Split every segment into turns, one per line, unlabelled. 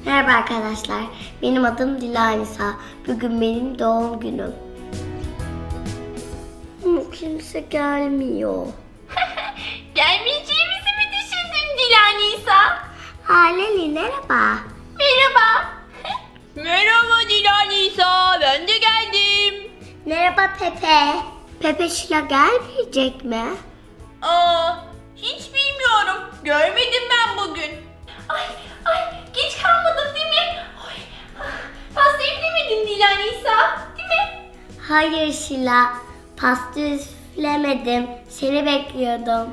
Merhaba arkadaşlar, benim adım Dilanisa. Bugün benim doğum günüm. Ama kimse gelmiyor.
Gelmeyeceğimizi mi düşündün Dilanisa?
Leli merhaba.
Merhaba. Merhaba Dilanisa, ben de geldim.
Merhaba Pepe. Pepe Şila gelmeyecek mi?
Hiç bilmiyorum. Görmedim ben bugün. Ay, geç kalmadım değil mi? Pasta üflemedin Dilanisa, değil mi?
Hayır Şila, pasta üflemedim. Seni bekliyordum.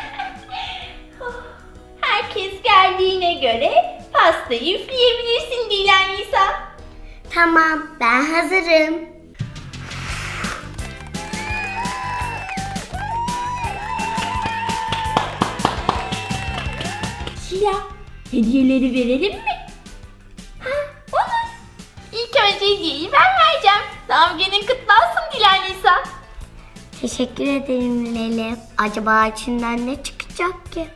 Herkes geldiğine göre pastayı üfleyebilirsin Dilanisa.
Tamam, ben hazırım.
Şila, hediyeleri verelim mi? Olur. İlk önce hediyeyi ben vereceğim. Doğum günün kutlu olsun Dilanisa.
Teşekkür ederim Leli. Acaba içinden ne çıkacak ki?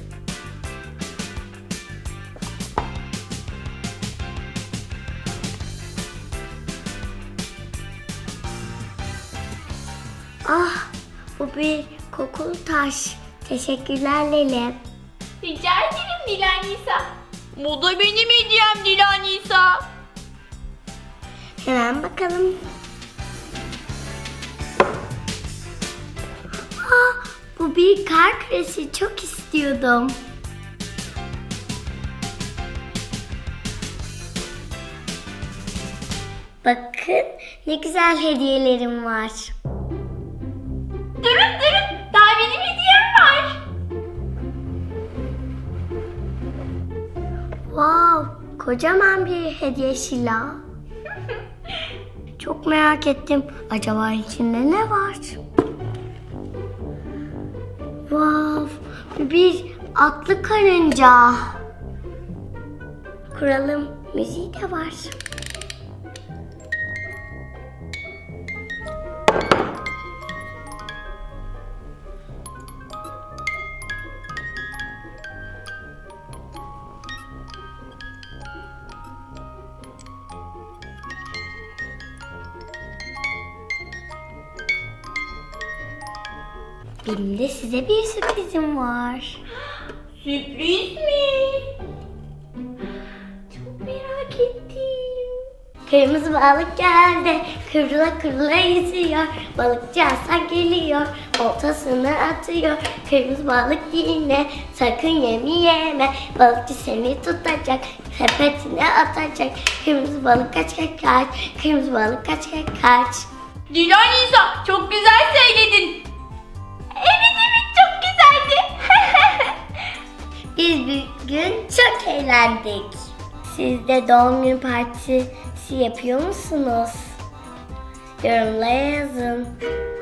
Bu bir kokulu taş. Teşekkürler Leli.
Rica ederim Dilanisa. Bu da benim hediyem Dilanisa.
Hemen bakalım. Bu bir kar küresi. Çok istiyordum. Bakın ne güzel hediyelerim var.
Durun, daha benim hediyem var.
Wow, kocaman bir hediye Şila. Çok merak ettim. Acaba içinde ne var? Wow, bir atlı karınca. Kuralım müziği de var. Benim de size bir sürprizim var.
Sürpriz mi? Çok merak ettim.
Kırmızı balık geldi, kıvrıla kıvrıla yüzüyor. Balıkçı Hasan geliyor, oltasını atıyor. Kırmızı balık yine, sakın yeme. Balıkçı seni tutacak, sepetine atacak. Kırmızı balık kaç, kırmızı balık kaç.
Dilanisa, çok güzel söyledin. Evet, çok güzeldi.
Biz bugün çok eğlendik. Siz de doğum günü partisi yapıyor musunuz? Yorumlara yazın.